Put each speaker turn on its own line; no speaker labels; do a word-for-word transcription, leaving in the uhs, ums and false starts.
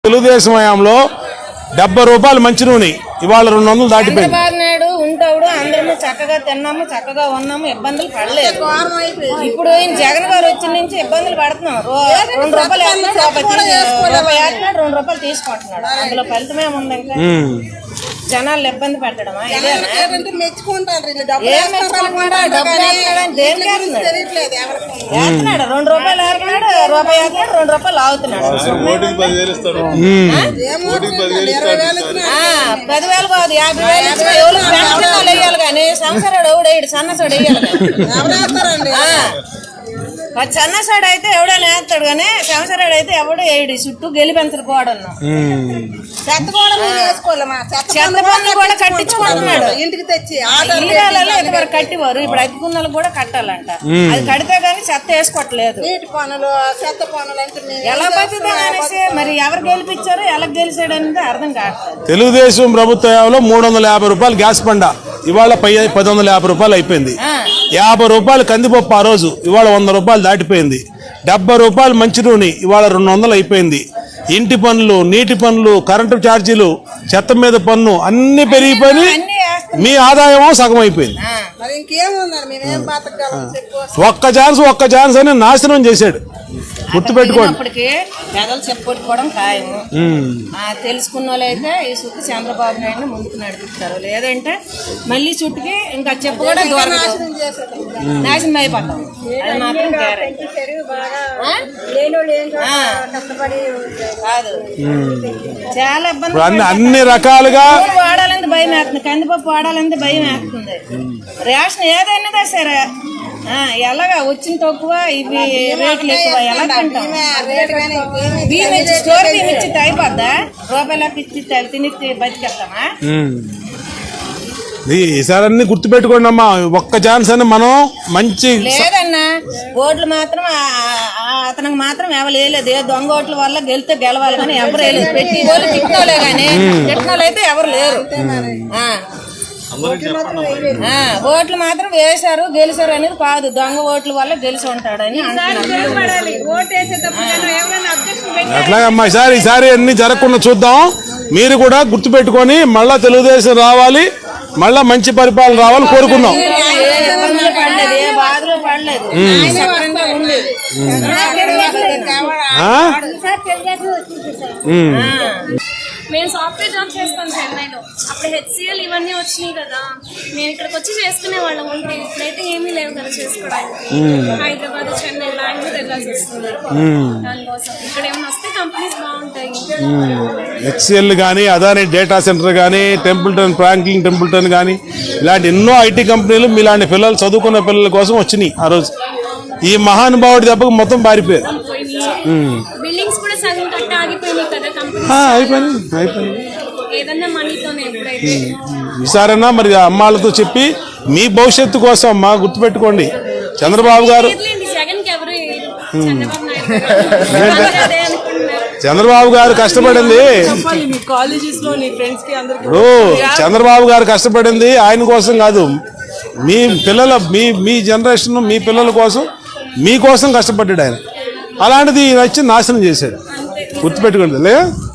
తెలుగుదేశం హయాంలో డెబ్బై రూపాయలు మంచి నూనె ఇవాళ రెండు వందలు దాటిపోయింది.
చంద్రబాబు నాయుడు ఉంటాడు, అందరము చక్కగా తిన్నాము, చక్కగా ఉన్నాము, ఇబ్బందులు పడలేదు. ఇప్పుడు ఈయన జగన్ గారు వచ్చిన నుంచి ఇబ్బందులు పడుతున్నాం. రెండు రూపాయలు రూపాయి వేస్తున్నాడు, రెండు రూపాయలు తీసుకుంటున్నాడు. అందులో ఫలితమే ఉంది. ఇంకా జనాలు ఇబ్బంది పెట్టడమా? మెచ్చుకుంటాడు, రెండు రూపాయలు వేస్తున్నాడు, రూపాయి వేస్తున్నాడు, రెండు రూపాయలు ఆగుతున్నాడు. పదివేలు కాదు, యాభై వేలు ఇచ్చిన ఎవరు పెన్షన్ వేయాలి కానీ సంవత్సరాడు ఎవడేడు సన్నసాడు వేయాలి. సన్నసాడు అయితే ఎవడైనా వేస్తాడు కానీ సంవత్సరాడు అయితే ఎవడు వేయడు. చుట్టూ గెలిపెంచడు కూడా చెత్త పన్ను కూడా కట్టించుకుంటున్నాడు. ఇంటికి తెచ్చి ఇళ్ళలో ఇంతవరకు కట్టివారు, ఇప్పుడు అతికున్నలు కూడా కట్టాలంట. అది కడితే గానీ చెత్త వేసుకోవట్లేదు. నీటి పనులు, చెత్త పనులు అంటే ఎలా బతుకుతా అనేసి మరి ఎవరు గెలిపించారు, ఎలా గెలిచాడు అనేది అర్థం కావట్లేదు.
తెలుగుదేశం ప్రభుత్వంలో మూడు వందల యాభై రూపాయలు గ్యాస్ పండ ఇవాళ పై పది వందల యాభై రూపాయలు అయిపోయింది. యాభై రూపాయలు కందిపప్పు ఆ రోజు ఇవాళ వంద రూపాయలు దాటిపోయింది. డెబ్బై రూపాయలు మంచి నూనె ఇవాళ రెండు వందలు అయిపోయింది. ఇంటి పన్నులు, నీటి పన్నులు, కరెంటు ఛార్జీలు, చెత్త మీద పన్ను అన్ని పెరిగిపోయి మీ ఆదాయం సగం అయిపోయింది. ఒక్క ఛాన్స్ ఒక్క ఛాన్స్ అని నాశనం చేశాడు. గుర్తుపెట్టుకోండి.
పేదలు చెప్పుకోవడం ఖాయం. తెలుసుకున్న వాళ్ళు అయితే ఈ చుట్టూ చంద్రబాబు నాయుడు ముందుకు నడిపిస్తారు, లేదంటే మళ్ళీ చుట్టుకి ఇంకా చెప్పుకోవడం నాశనం అయిపోతాం. అది మాత్రం కాదు. చాలా ఇబ్బంది.
అన్ని రకాలుగా
వాడాలంటే భయం వేస్తుంది, కందిపప్పు వాడాలంటే భయం వేస్తుంది. రేషన్ ఏదైనా సరే ఎలాగా వచ్చిన తక్కువ, ఇవి రేట్లు ఎక్కువ, ఎలా తింటాం? బియ్యం ఇచ్చి స్టోర్ బియ్యం ఇచ్చి అయిపోద్దా? రూపాయలకు ఇచ్చి తిని బతికేస్తామా?
ఈసారి అన్ని గుర్తుపెట్టుకోండి అమ్మా. ఒక్క ఛాన్స్ అని మనం మంచి
లేదన్నా. ఓట్లు మాత్రం అతనికి మాత్రం ఎవరు వేయలేదు. ఏ దొంగ ఓట్ల వల్ల గెలితే గెలవాలి కానీ ఎవరు వేయలేదు. పెట్టి ఓట్లు తిట్టినోలే కానీ తిట్టినోళ్ళు అయితే ఎవరు లేరు. ఓట్లు మాత్రం వేశారు, గెలిచారు అనేది కాదు. దొంగ ఓట్ల వల్ల గెలిచి ఉంటాడని
అట్లాగమ్మా. ఈసారి ఈసారి అన్ని జరగకుండా చూద్దాం. మీరు కూడా గుర్తు పెట్టుకొని మళ్ళా తెలుగుదేశం రావాలి, మళ్ళా మంచి పరిపాలన రావాలని కోరుకుందాం.
పడలేదు, ఏ బాధలు పడలేదు.
మేము సాఫ్ట్వేర్ జాబ్ చేస్తాం చెన్నైలో. అప్పుడు హెచ్సిఎల్ ఇవన్నీ వచ్చినాయి కదా, మేము ఇక్కడికి వచ్చి చేసుకునే వాళ్ళం ఉంటే. ఇప్పుడైతే ఏమీ లేవు కదా చేసుకోవడానికి. హైదరాబాద్, చెన్నై, బెంగళూరు వెళ్ళాల్సి వస్తుంది. దానికోసం ఇక్కడ ఏమైనా వస్తే కంపెనీస్ బాగుంటాయి.
హెచ్సిఎల్ కానీ, అదాని డేటా సెంటర్ కానీ, టెంపుల్టన్, ఫ్రాంక్లిన్ టెంపుల్టన్ కానీ, ఇలాంటి ఎన్నో ఐటీ కంపెనీలు మీలాంటి పిల్లలు, చదువుకున్న పిల్లల కోసం వచ్చినాయి. ఆ రోజు ఈ మహానుభావుడి దెబ్బకు మొత్తం పారిపోయారు.
బిల్డింగ్స్ కూడా సగం కట్ట ఆగిపోయినాయి కదా కంపెనీ.
అయిపోయింది అయిపోయింది
ఏదన్నా మనీతోనే. ఎప్పుడైతే
ఈసారైనా మరి అమ్మాళ్ళతో చెప్పి మీ భవిష్యత్తు కోసం అమ్మా గుర్తుపెట్టుకోండి. చంద్రబాబు గారు చంద్రబాబు గారు కష్టపడింది. ఇప్పుడు చంద్రబాబు గారు కష్టపడింది ఆయన కోసం కాదు, మీ పిల్లల మీ మీ జనరేషన్ మీ పిల్లల కోసం మీకోసం కష్టపడ్డాడు ఆయన. అలాంటిది నచ్చి నాశనం చేశాడు. గుర్తుపెట్టుకోండి.